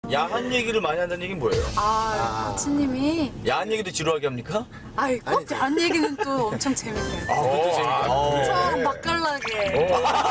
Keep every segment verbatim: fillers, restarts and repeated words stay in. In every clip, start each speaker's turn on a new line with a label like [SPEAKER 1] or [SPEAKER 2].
[SPEAKER 1] 야한 얘기를 많이 한다는 얘기는 뭐예요?
[SPEAKER 2] 아, 코치님이
[SPEAKER 1] 야한 얘기도 지루하게 합니까?
[SPEAKER 2] 아이 꼭 야한 얘기는 또 엄청 재밌대요.
[SPEAKER 1] 아, 그것도 재밌다.
[SPEAKER 2] 엄청 맛깔나게.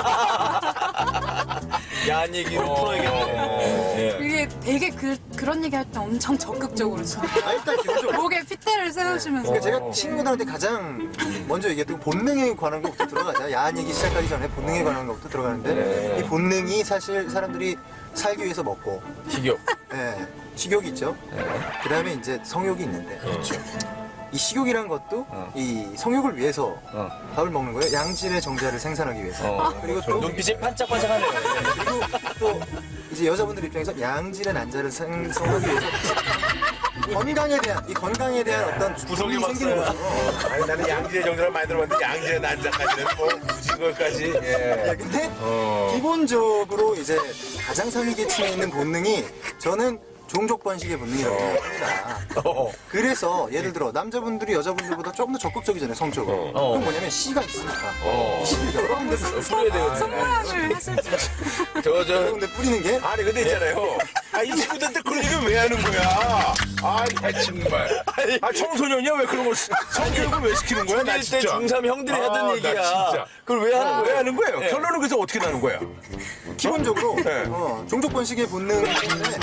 [SPEAKER 1] 야한 얘기로 풀어야겠네. 예.
[SPEAKER 2] 이게 되게 그, 그런 얘기 할 때 엄청 적극적으로 진짜
[SPEAKER 3] 아, 일단 기본적으로
[SPEAKER 2] 목에 핏대를 세우시면서
[SPEAKER 3] 그러니까 제가 친구들한테 가장 먼저 얘기했던 본능에 관한 것부터 들어가자. 야한 얘기 시작하기 전에 본능에 관한 것부터 들어가는데 이 본능이 사실 사람들이 살기 위해서 먹고
[SPEAKER 1] 식욕.
[SPEAKER 3] 예, 식욕이 있죠. 그 다음에 이제 성욕이 있는데
[SPEAKER 1] 그렇죠.
[SPEAKER 3] 이 식욕이란 것도
[SPEAKER 1] 어.
[SPEAKER 3] 이 성욕을 위해서
[SPEAKER 1] 어.
[SPEAKER 3] 밥을 먹는 거예요. 양질의 정자를 생산하기 위해서.
[SPEAKER 1] 어.
[SPEAKER 3] 그리고 또
[SPEAKER 1] 눈빛이 반짝반짝하네요.
[SPEAKER 3] 그리고 또 이제 여자분들 입장에서 양질의 난자를 생성하기 위해서 건강에 대한 이 건강에 대한 어떤
[SPEAKER 1] 구석이
[SPEAKER 3] 구성이 생기는
[SPEAKER 1] 막
[SPEAKER 3] 거죠.
[SPEAKER 4] 아니 나는 양질의 정도를 많이 들어봤는데 양질의 난자까지는 뭐 굳이 그것까지 예.
[SPEAKER 3] 예, 근데
[SPEAKER 4] 어.
[SPEAKER 3] 기본적으로 이제 가장 상위 계층에 있는 본능이 저는 종족 번식의 본능이라고 생각합니다.
[SPEAKER 1] 어.
[SPEAKER 3] 그래서 예를 들어 남자분들이 여자분들보다 조금 더 적극적이잖아요, 성적으로.
[SPEAKER 1] 어.
[SPEAKER 3] 그건 뭐냐면 씨가 있으니까.
[SPEAKER 1] 어.
[SPEAKER 3] 이 씨를 여러분들
[SPEAKER 1] 풀어야 되거든요.
[SPEAKER 2] 손모양을 하실 때
[SPEAKER 1] 저, 저,
[SPEAKER 3] 여러분들 뿌리는 게
[SPEAKER 4] 아니 근데 있잖아요. 아 이 친구들한테 그런 얘기를 왜 하는 거야? 아이 정말. 아 청소년이야 왜 그런 걸 성교육을 왜 시키는 거야? 나
[SPEAKER 1] 중일 때
[SPEAKER 4] 진짜.
[SPEAKER 1] 중삼 형들이 하던
[SPEAKER 4] 아, 나
[SPEAKER 1] 얘기야.
[SPEAKER 4] 진짜.
[SPEAKER 1] 그걸 왜 하는
[SPEAKER 4] 왜
[SPEAKER 1] 거예요?
[SPEAKER 4] 하는 거예요?
[SPEAKER 1] 예.
[SPEAKER 4] 결론은 그래서 어떻게 나는 거야?
[SPEAKER 3] 기본적으로
[SPEAKER 4] 네.
[SPEAKER 3] 어, 종족 번식의 본능 때문에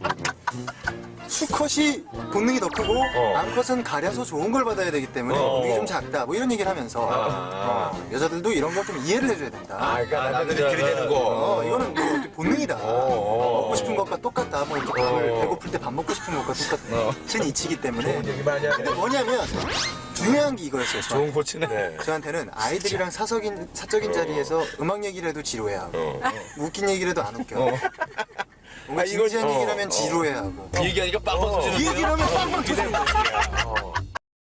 [SPEAKER 3] 수컷이 본능이 더 크고
[SPEAKER 4] 어.
[SPEAKER 3] 암컷은 가려서 좋은 걸 받아야 되기 때문에
[SPEAKER 4] 어.
[SPEAKER 3] 본능이 좀 작다 뭐 이런 얘기를 하면서
[SPEAKER 4] 아.
[SPEAKER 3] 어, 여자들도 이런 걸 좀 이해를 해줘야 된다.
[SPEAKER 4] 아 그러니까
[SPEAKER 1] 아,
[SPEAKER 4] 남자들이
[SPEAKER 1] 남자.
[SPEAKER 4] 그리 되는 거.
[SPEAKER 3] 어, 이거는 뭐 어떻게 본능이다.
[SPEAKER 4] 어.
[SPEAKER 3] 먹고 싶은 것과 똑같다. 뭐 이렇게 밥을 배고플 때 밥 먹고 싶은 것과 똑같은 이치기 때문에.
[SPEAKER 4] 좋은 얘기 많이 하네.
[SPEAKER 3] 근데 뭐냐면 중요한 게 이거였어요. 저한테.
[SPEAKER 1] 좋은 코치네.
[SPEAKER 4] 네.
[SPEAKER 3] 저한테는 아이들이랑 사석인, 사적인 자리에서 음악 얘기를 해도 지루해하고
[SPEAKER 4] 어.
[SPEAKER 3] 웃긴 얘기를 해도 안 웃겨. 뭔가
[SPEAKER 4] 아, 이거-
[SPEAKER 3] 진지한
[SPEAKER 4] 어,
[SPEAKER 3] 얘기를 하면
[SPEAKER 4] 어.
[SPEAKER 3] 지루해하고
[SPEAKER 1] 이 얘기하니까 빵빵
[SPEAKER 3] 이
[SPEAKER 1] 터지는데요?
[SPEAKER 3] 얘기를 하면 빵빵 터지는 거야.